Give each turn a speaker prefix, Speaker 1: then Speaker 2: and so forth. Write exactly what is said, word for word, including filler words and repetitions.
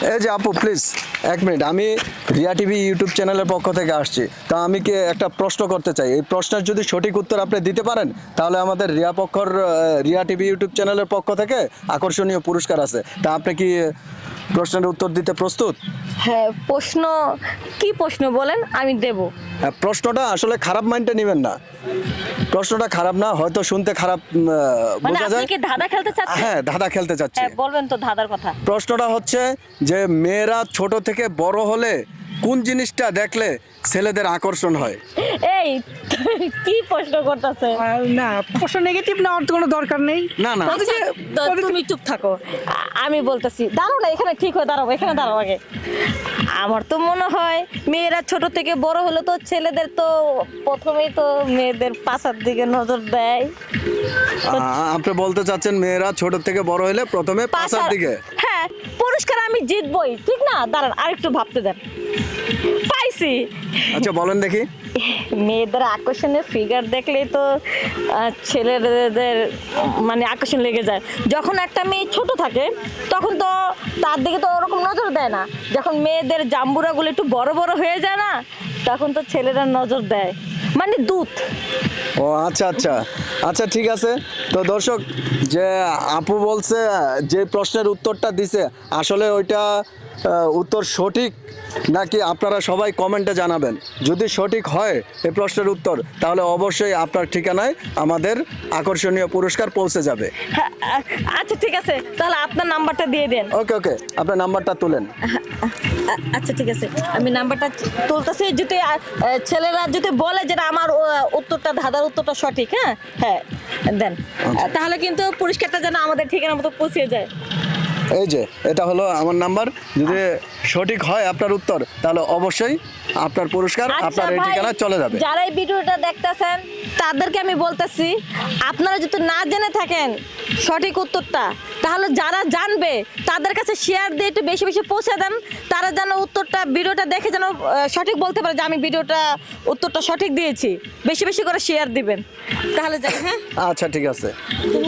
Speaker 1: এই যে আপু প্লিজ এক মিনিট, আমি রিয়া টিভি ইউটিউব চ্যানেলের পক্ষ থেকে আসছি। তা আমি কি একটা প্রশ্ন করতে চাই, এই প্রশ্নের যদি সঠিক উত্তর আপনি দিতে পারেন তাহলে আমাদের রিয়া পক্ষর রিয়া টিভি ইউটিউব চ্যানেলের পক্ষ থেকে আকর্ষণীয় পুরস্কার আছে। তা আপনি কি প্রশ্নের উত্তর দিতে প্রস্তুত?
Speaker 2: হ্যাঁ, প্রশ্ন কি প্রশ্ন বলেন, আমি দেব।
Speaker 1: হ্যাঁ, প্রশ্নটা আসলে খারাপ মাইন্ডে নেবেন না, প্রশ্নটা খারাপ না, হয়তো শুনতে খারাপ আহ,
Speaker 2: মানে
Speaker 1: বোঝা
Speaker 2: আপনি
Speaker 1: যায়।
Speaker 2: কি ধাঁধা খেলতে চাচ্ছেন?
Speaker 1: হ্যাঁ, ধাঁধা খেলতে চাচ্ছি।
Speaker 2: হ্যাঁ, বলবেন তো ধাঁধার কথা।
Speaker 1: প্রশ্নটা হচ্ছে যে মেয়েরা ছোট থেকে বড় হলে কোন জিনিসটা দেখলে ছেলেদের আকর্ষণ হয়?
Speaker 2: এই কি প্রশ্ন করতেছে?
Speaker 3: আর না, প্রশ্ন নেগেটিভ নেওয়ার তো কোনো দরকার নেই।
Speaker 1: না না
Speaker 2: আচ্ছা, তো তুমি চুপ থাকো, আ- আমি বলতেছি। দাঁড়াও না, এখানে ঠিক হয়ে দাঁড়াবো, এখানে দাঁড়াও আগে। আমার তো মনে হয় মেয়েরা ছোট থেকে বড় হলে তো ছেলেদের তো প্রথমেই তো মেয়েদের পাশার দিকে নজর দেয়।
Speaker 1: আ- আপনি বলতে চাচ্ছেন মেয়েরা ছোট থেকে বড় হলে প্রথমে পাশার
Speaker 2: পাশার-
Speaker 1: দিকে?
Speaker 2: হ্যাঁ, পুরস্কার আমি জিতবই, ঠিক না? দাঁড়ান আরেকটু ভাবতে দেন। পাইছি।
Speaker 1: আচ্ছা বলেন দেখি।
Speaker 2: মেয়েদের আকর্ষণের ফিগার দেখলেই তো আহ, ছেলেদের মানে আকর্ষণ লেগে যায়। যখন একটা মেয়ে ছোট থাকে তখন তো তার দিকে তো ওরকম নজর দেয় না। যখন মেয়েদের জাম্বুরাগুলো একটু বড় বড় হয়ে যায় না, তখন তো ছেলেরা নজর দেয়, মানে দুধ।
Speaker 1: ও আচ্ছা আচ্ছা আচ্ছা ঠিক আছে। তো দর্শক, যে আপু বলছে যে প্রশ্নের উত্তরটা দিছে আসলে ওইটা আহ, উত্তর সঠিক নাকি আপনারা সবাই কমেন্টে জানাবেন। যদি সঠিক হয় এই প্রশ্নের উত্তর, তাহলে অবশ্যই আপনার ঠিকানায় আমাদের আকর্ষণীয় পুরস্কার পৌঁছে যাবে।
Speaker 2: হ্যাঁ, আ- আচ্ছা ঠিক আছে, তাহলে আপনার নাম্বারটা দিয়ে দেন।
Speaker 1: ওকে ওকে, আপনার নাম্বারটা তুলেন।
Speaker 2: আ- আচ্ছা ঠিক আছে, আমি নাম্বারটা তুলতেছি। যদি আ, আ, ছেলেরা যদি বলে যে না, আমার ও, উত্তরটা ধাঁধার উত্তরটা সঠিক, হ্যাঁ হ্যাঁ দেন, তাহলে কিন্তু পুরস্কারটা যেন আমাদের ঠিকানা মতো পৌঁছে যায়।
Speaker 1: এই যে এটা হলো আমার নাম্বার, যদি সঠিক হয় আপনার উত্তর তাহলে অবশ্যই আপনার পুরস্কার
Speaker 2: আচ্ছা
Speaker 1: আপনার এই
Speaker 2: ভাই,
Speaker 1: ঠিকানায় চলে যাবে।
Speaker 2: যারা এই ভিডিওটা দেখতেছেন তাদেরকে আমি বলতেছি, আপনারা যদি না জেনে থাকেন সঠিক উত্তরটা, তাহলে যারা জানবে তাদের কাছে শেয়ার দিয়ে একটু বেশি বেশি পৌঁছে দেন। তারা যেন উত্তরটা ভিডিওটা দেখে যেন আহ, সঠিক বলতে পারে যে আমি ভিডিওটা উত্তরটা সঠিক দিয়েছি। বেশি বেশি করে শেয়ার দিবেন, তাহলে যাই। হ্যাঁ,
Speaker 1: আচ্ছা ঠিক আছে।